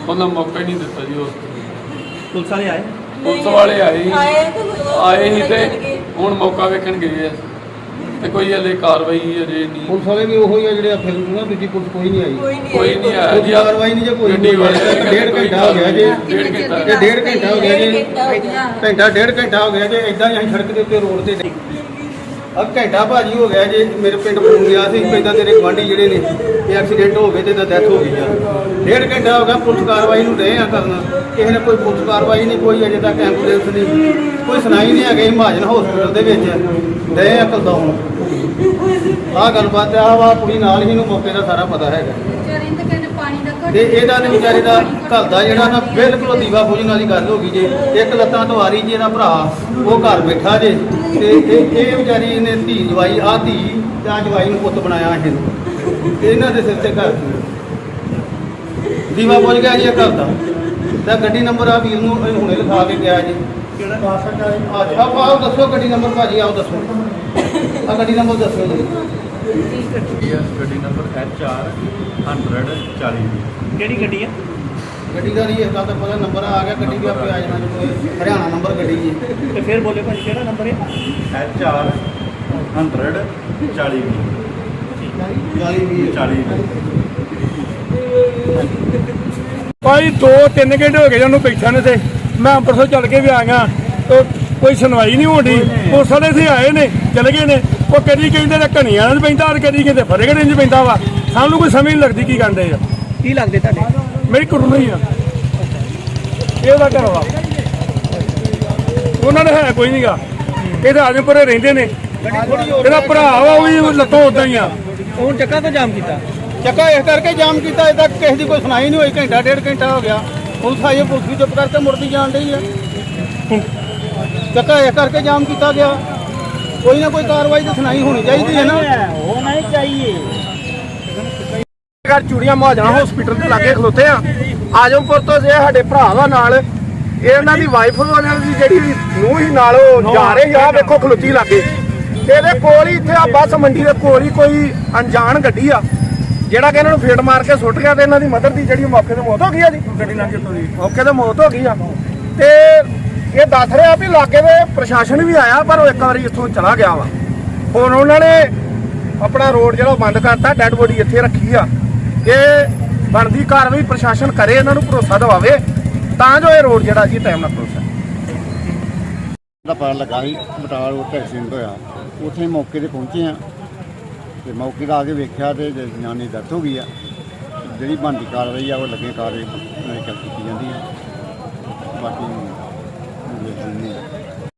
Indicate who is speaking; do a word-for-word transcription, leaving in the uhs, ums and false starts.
Speaker 1: ਉਹਨਾਂ ਮੌਕਾ ਹੀ ਨਹੀਂ ਦਿੱਤਾ ਜੀ। ਉਸ
Speaker 2: ਪੁਲਿਸ ਵਾਲੇ ਆਏ
Speaker 1: ਪੁਲਿਸ ਵਾਲੇ ਆਏ ਆਏ ਸੀ ਤੇ ਹੁਣ ਮੌਕਾ ਵੇਖਣ ਗਏ ਆ ਤੇ ਕੋਈ ਹਲੇ ਕਾਰਵਾਈ ਅਜੇ ਨਹੀਂ।
Speaker 3: ਪੁਲਿਸ ਵਾਲੇ ਵੀ ਉਹੀ ਆ ਜਿਹੜੇ ਫਿਰ ਨਾ ਦੂਜੀ ਪੁਲਿਸ ਕੋਈ ਨਹੀਂ ਆਈ,
Speaker 1: ਕੋਈ ਨਹੀਂ ਆਇਆ ਜੀ।
Speaker 3: ਕਾਰਵਾਈ ਨਹੀਂ ਜੇ ਕੋਈ
Speaker 1: ਗੱਡੀ ਵਾਲੇ
Speaker 3: ਡੇਢ ਘੰਟਾ ਹੋ ਗਿਆ ਜੀ,
Speaker 1: ਡੇਢ ਘੰਟਾ
Speaker 3: ਇਹ ਡੇਢ ਘੰਟਾ ਹੋ ਗਿਆ ਜੀ, ਘੰਟਾ ਡੇਢ ਘੰਟਾ ਹੋ ਗਿਆ ਜੀ। ਇਦਾਂ ਹੀ ਅਸੀਂ ਸੜਕ ਦੇ ਉੱਤੇ ਰੋਡ ਤੇ ਅਬ ਘੰਟਾ ਭਾਜੀ ਹੋ ਗਿਆ ਜੀ। ਮੇਰੇ ਪਿੰਡ ਫੋਨ ਗਿਆ ਸੀ ਇਦਾਂ ਤੇਰੇ ਗੁਆਂਢੀ ਜਿਹੜੇ ਨੇ ਇਹ ਐਕਸੀਡੈਂਟ ਹੋ ਗਏ ਤੇ ਤਾਂ ਡੈਥ ਹੋ ਗਈ ਆ। ਡੇਢ ਘੰਟਾ ਹੋ ਗਿਆ ਪੁਲਿਸ ਕਾਰਵਾਈ ਨੂੰ ਰਹੇ ਆ ਕਰਨਾ, ਕਿਸੇ ਨੇ ਕੋਈ ਪੁਲਿਸ ਕਾਰਵਾਈ ਨਹੀਂ, ਕੋਈ ਅਜੇ ਤੱਕ ਐਂਬੂਲੈਂਸ ਨਹੀਂ, ਕੋਈ ਸੁਣਾਈ ਨਹੀਂ ਹੈਗੀ। ਮਹਾਜਨ ਹਸਪੀਟਲ ਦੇ ਵਿੱਚ ਰਹੇ ਆ ਕਲਦਾ ਹੁਣ ਆਹ ਗੱਲਬਾਤ ਆ ਵਾ ਕੁੜੀ ਨਾਲ ਹੀ ਨੂੰ ਮੌਕੇ ਦਾ ਸਾਰਾ ਪਤਾ ਹੈਗਾ ਤੇ ਇਹਦਾ ਨੇ ਵਿਚਾਰੇ ਦਾ ਘਰ ਦਾ ਜਿਹੜਾ ਨਾ ਬਿਲਕੁਲ ਦੀਵਾ ਬੁਝਣ ਵਾਲੀ ਗੱਲ ਹੋ ਗਈ ਜੇ। ਇੱਕ ਲੱਤਾਂ ਤੋਂ ਆ ਰਹੀ ਜੀ ਇਹਦਾ ਭਰਾ ਉਹ ਘਰ ਬੈਠਾ ਜੇ ਤੇ ਇਹ ਇਹ ਵਿਚਾਰੀ ਇਹਨੇ ਧੀ ਜਵਾਈ ਆ ਧੀ ਜਾਂ ਜਵਾਈ ਨੂੰ ਪੁੱਤ ਬਣਾਇਆ ਇਹਨੂੰ, ਇਹਨਾਂ ਦੇ ਸਿਰ ਤੇ ਘਰ ਦੀਵਾ ਬੁਝ ਗਿਆ ਜੀ ਇਹ ਘਰ ਦਾ। ਤਾਂ ਗੱਡੀ ਨੰਬਰ ਆ ਵੀਰ ਨੂੰ ਹੁਣੇ ਲਿਖਾ ਕੇ ਗਿਆ ਜੀ।
Speaker 2: ਕਿਹੜਾ ਕਾਸਟ ਆ?
Speaker 3: ਆਪਾਂ ਆਓ ਦੱਸੋ ਗੱਡੀ ਨੰਬਰ ਭਾਜੀ, ਆਓ ਦੱਸੋ ਆ ਗੱਡੀ ਨੰਬਰ ਦੱਸੋ ਜੀ।
Speaker 4: ਗੱਡੀ ਨੰਬਰ ਐਚ ਆਰ ਹੰਡਰਡ ਚਾਲੀ।
Speaker 2: ਕਿਹੜੀ ਗੱਡੀ ਆ?
Speaker 3: ਗੱਡੀ ਦਾ ਨਹੀਂ ਇਸ ਗੱਲ ਦਾ ਪਤਾ, ਨੰਬਰ ਆ ਗਿਆ ਗੱਡੀ ਵੀ ਆਪੇ ਆ ਜਾਣਾ ਜਦੋਂ ਇਹ ਹਰਿਆਣਾ ਨੰਬਰ ਗੱਡੀ ਜੀ।
Speaker 2: ਤੇ ਫਿਰ ਬੋਲੇ ਭਾਜੀ ਕਿਹੜਾ ਨੰਬਰ ਹੈ?
Speaker 4: ਐਚ ਆਰ ਹੰਡਰਡ ਚਾਲੀ
Speaker 3: ਚਾਲੀ ਵੀਹ
Speaker 4: ਚਾਲੀ।
Speaker 5: ਭਾਈ ਦੋ ਤਿੰਨ ਘੰਟੇ ਹੋ ਗਏ ਜਾਨੂੰ ਬੈਠਾ ਨੇ ਤੇ ਮੈਂ ਅੰਮ੍ਰਿਤਸਰ ਚੱਲ ਕੇ ਵੀ ਆ ਗਿਆ ਤੇ ਕੋਈ ਸੁਣਵਾਈ ਨਹੀਂ ਹੋਣੀ। ਪੁਲਿਸ ਵਾਲੇ ਇੱਥੇ ਆਏ ਨੇ ਚਲੇ ਗਏ ਨੇ। ਉਹ ਕਦੀ ਕਹਿੰਦੇ ਨੇ ਘਣੀਆਂ ਨਾਲ ਪੈਂਦਾ ਔਰ ਕਦੀ ਕਹਿੰਦੇ ਫਤਿਹਗੜ੍ਹ ਇੰਝ ਪੈਂਦਾ ਵਾ। ਸਾਨੂੰ ਕੋਈ ਸਮਝ ਨਹੀਂ ਲੱਗਦੀ ਕੀ ਕਰਦੇ ਆ।
Speaker 2: ਕੀ ਲੱਗਦੇ ਤੁਹਾਡੇ?
Speaker 5: ਮੇਰੀ ਕੁੜੀ ਹੀ ਆ, ਇਹ ਉਹਦਾ ਘਰ ਵਾ। ਉਹਨਾਂ ਨੇ ਹੈ ਕੋਈ ਨਹੀਂਗਾ, ਇਹ ਤਾਂ ਆਜਮਪੁਰੇ ਰਹਿੰਦੇ ਨੇ। ਇਹਦਾ ਭਰਾ ਵਾ ਉਹ ਵੀ ਲੱਤੋਂ ਉਦਾਂ ਹੀ ਆ।
Speaker 2: ਹੁਣ ਚੱਕਾ ਤੋਂ ਜਾਮ ਕੀਤਾ?
Speaker 3: ਚੱਕਾ ਇਸ ਕਰਕੇ ਜਾਮ ਕੀਤਾ, ਇਹ ਤੱਕ ਕਿਸੇ ਦੀ ਕੋਈ ਸੁਣਾਈ ਨਹੀਂ ਹੋਈ। ਘੰਟਾ ਡੇਢ ਘੰਟਾ ਹੋ ਗਿਆ, ਪੁਲਿਸ ਆਈ, ਪੁਲਿਸ ਵੀ ਚੁੱਪ ਕਰਕੇ ਮੁੜਦੀ ਜਾਣ ਡਈ ਹੈ। ਚੱਕਾ ਇਸ ਕਰਕੇ ਜਾਮ ਕੀਤਾ ਗਿਆ। ਕੋਈ ਨਾ ਕੋਈ ਕਾਰਵਾਈ ਤਾਂ ਸੁਣਾਈ ਹੋਣੀ ਚਾਹੀਦੀ ਹੈ ਨਾ।
Speaker 2: ਹੋਣਾ ਹੀ ਚਾਹੀਏ।
Speaker 5: ਘਰ ਚੂੜੀਆਂ ਮਹਾਜਣਾ ਹਸਪੀਟਲ ਦੇ ਲਾਗੇ ਖਲੋਤੇ ਆ। ਆਜਮਪੁਰ ਤੋਂ ਜੇ ਸਾਡੇ ਭਰਾ ਵਾ ਨਾਲ, ਇਹ ਇਹਨਾਂ ਦੀ ਵਾਈਫ ਉਹਨਾਂ ਦੀ ਜਿਹੜੀ ਨੂੰਹ ਹੀ ਨਾਲ ਉਹ ਜਾ ਰਹੇ ਆ। ਵੇਖੋ ਖਲੋਤੀ ਲਾਗੇ, ਇਹਦੇ ਕੋਲ ਹੀ ਇੱਥੇ ਆ ਬੱਸ ਮੰਡੀ ਦੇ ਕੋਲ ਹੀ ਕੋਈ ਅਣਜਾਣ ਗੱਡੀ ਆ ਜਿਹੜਾ ਕਿ ਇਹਨਾਂ ਨੂੰ ਫੇਟ ਮਾਰ ਕੇ ਸੁੱਟ ਗਿਆ ਤੇ ਇਹਨਾਂ ਦੀ ਮਦਰ ਦੀ ਜਿਹੜੀ ਮੌਕੇ ਤੇ ਮੌਤ ਹੋ ਗਈ ਆ ਜੀ। ਗੱਡੀ ਨਾਲ ਜਿੱਤੋਂ ਦੀ ਮੌਕੇ ਤੇ ਮੌਤ ਹੋ ਗਈ ਆ। ਤੇ ਇਹ ਦੱਸ ਰਿਹਾ ਵੀ ਲਾਗੇ ਦੇ ਪ੍ਰਸ਼ਾਸਨ ਵੀ ਆਇਆ ਪਰ ਉਹ ਇੱਕ ਵਾਰੀ ਇੱਥੋਂ ਚਲਾ ਗਿਆ ਵਾ। ਹੁਣ ਉਹਨਾਂ ਨੇ ਆਪਣਾ ਰੋਡ ਜਿਹੜਾ ਬੰਦ ਕਰਤਾ, ਡੈਡ ਬੋਡੀ ਇੱਥੇ ਰੱਖੀ ਆ। ਇਹ ਬਣਦੀ ਕਾਰਵਾਈ ਪ੍ਰਸ਼ਾਸਨ ਕਰੇ, ਇਹਨਾਂ ਨੂੰ ਭਰੋਸਾ ਦਿਵਾਵੇ ਤਾਂ ਜੋ ਇਹ ਰੋਡ ਜਿਹੜਾ ਜੀ ਟਾਈਮ ਨਾਲ ਖੁੱਲ ਸਕੇ।
Speaker 6: ਦਾ ਪਤਾ ਲੱਗਾ ਸੀ ਬਟਾਲਾ ਰੋਡ ਤੇ ਐਕਸੀਡੈਂਟ ਹੋਇਆ, ਉੱਥੇ ਮੌਕੇ ਤੇ ਪਹੁੰਚੇ ਆ ਤੇ ਮੌਕੇ ਦਾ ਆ ਕੇ ਵੇਖਿਆ ਤੇ ਜਨਾਨੀ ਦੀ ਡੈਥ ਹੋ ਗਈ ਆ। ਜਿਹੜੀ ਬਣਦੀ ਕਾਰਵਾਈ ਆ ਉਹ ਲੱਗੇ ਕਾਰਵਾਈ ਕੀਤੀ ਜਾਂਦੀ ਹੈ। ਬਾਕੀ